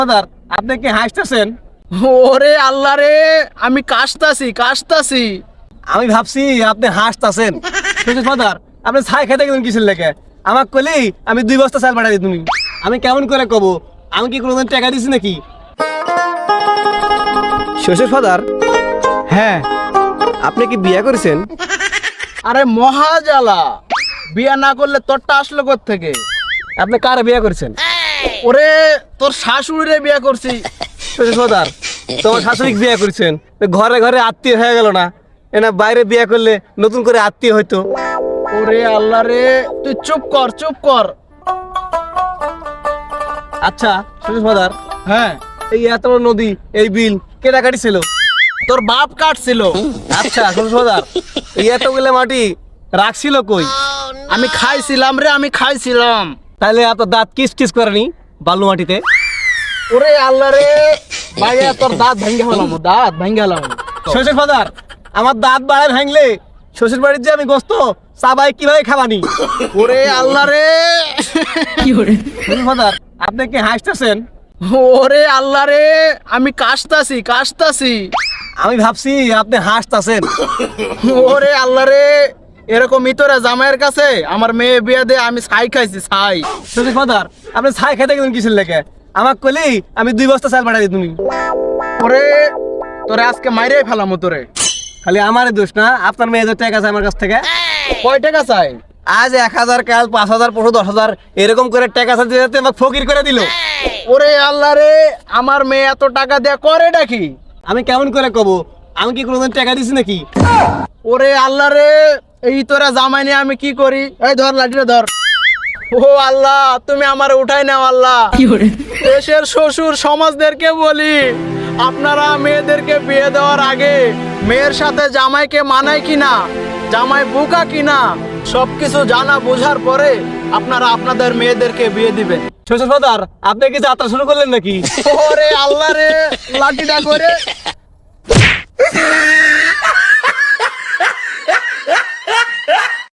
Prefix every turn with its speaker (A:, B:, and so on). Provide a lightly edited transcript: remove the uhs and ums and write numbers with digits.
A: Father আপনি কি হাসতেছেন?
B: ওরে আল্লাহ রে, আমি কাশতাছি।
A: আমি ভাবছি আপনি হাসতেছেন। শ্বশুর ফাদার আপনি ছাই খেতে গেলেন কিসের লেগে? আমাকে কইলেই আমি 2 বস্তা চাল পাঠাই দিই। তুমি আমি কেমন করে কব? আমি কি কোনোদিন টাকা দিছি নাকি? শ্বশুর ফাদার
B: হ্যাঁ,
A: আপনি কি বিয়ে করেছেন?
B: আরে মহাজালা, বিয়া না করলে তোরটা আসলো থেকে?
A: আপনি কারে বিয়ে করেছেন?
B: ওরে তোর শাশুড়িরে বিয়া করছি।
A: শ্বশুর ফাদার তোমার শাশুড়ি বিয়ে করেছেন, ঘরে ঘরে আত্মীয় হয়ে গেল না? এনা বাইরে বিয়ে করলে নতুন করে আত্মীয় হইতো।
B: ওরে আল্লাহ রে, তুই চুপ কর।
A: আচ্ছা শ্বশুর ফাদার,
B: হ্যাঁ,
A: এই এত বড় নদী, এই বিল কেটা কাটিছিল?
B: তোর বাপ কাটছিল।
A: আচ্ছা শ্বশুর ফাদার, এই এতগুলো মাটি রাখছিল কই?
B: আমি খাইছিলাম।
A: তাহলে আপনার দাঁত কিস কিস করেনি বালু মাটিতে?
B: ওরে আল্লাহ রে, ভাইয়া তোর দাঁত ভেঙে হলাম।
A: শ্বশুর ফাদার আমার দাঁত বাড়ায় ভাঙলে শ্বশুর বাড়ির যে আমি গোস্ত চাবাই কিভাবে খাবানি?
B: ওরে আল্লাহ রে,
A: শ্বশুর ফাদার আপনি কি হাসতেছেন?
B: ওরে আল্লাহ রে, আমি কাশতাছি।
A: আমি ভাবছি আপনি হাসতেছেন।
B: ওরে আল্লাহ রে, এরকম ইতরা জামাইয়ের কাছে আমার মেয়ে বিয়ে দে, আমি ছাই খাইছি।
A: শ্বশুর ফাদার আপনি ছাই খেতে গেলেন কিসের লেগে? আমাকে কইলেই আমি 2 বস্তা চাল পাঠাই দিই। তুমি
B: ওরে তোরে আজকে মাইরে ফেলামো তোরে।
A: খালি আমার দোষ না, আপনার মেয়ে যে টাকা আছে আমার কাছ থেকে।
B: কয় টাকা চাই?
A: আজ 1000, কাল 5000, পরশু 10,000, এরকম করে টাকা চাইতে যেতে আমাকে ফকির করে দিল।
B: ওরে আল্লাহ রে, আমার মেয়ে এত টাকা দেয়া করে ডাকি?
A: আমি কেমন করে কব? আমি কি কোনোদিন টাকা দিছি নাকি?
B: ওরে আল্লাহ রে, এই তোরা জামাই নিয়ে আমি কি করি? এই ধর লাঠিটা ধর। ও আল্লাহ, তুমি আমার উঠাই নাও আল্লাহ। দেশের শ্বশুর সমাজদেরকে বলি, আপনারা মেয়েদেরকে বিয়ে দেওয়ার আগে মেয়ের সাথে জামাইকে মানায় কিনা, জামাই বোকা কিনা, সবকিছু জানা বোঝার পরে আপনারা আপনাদের মেয়েদেরকে বিয়ে দিবেন।
A: শ্বশুর ফাদার আপনি কি যাত্রা শুরু করলেন নাকি?
B: ওরে আল্লাহ রে, লাঠিটা করে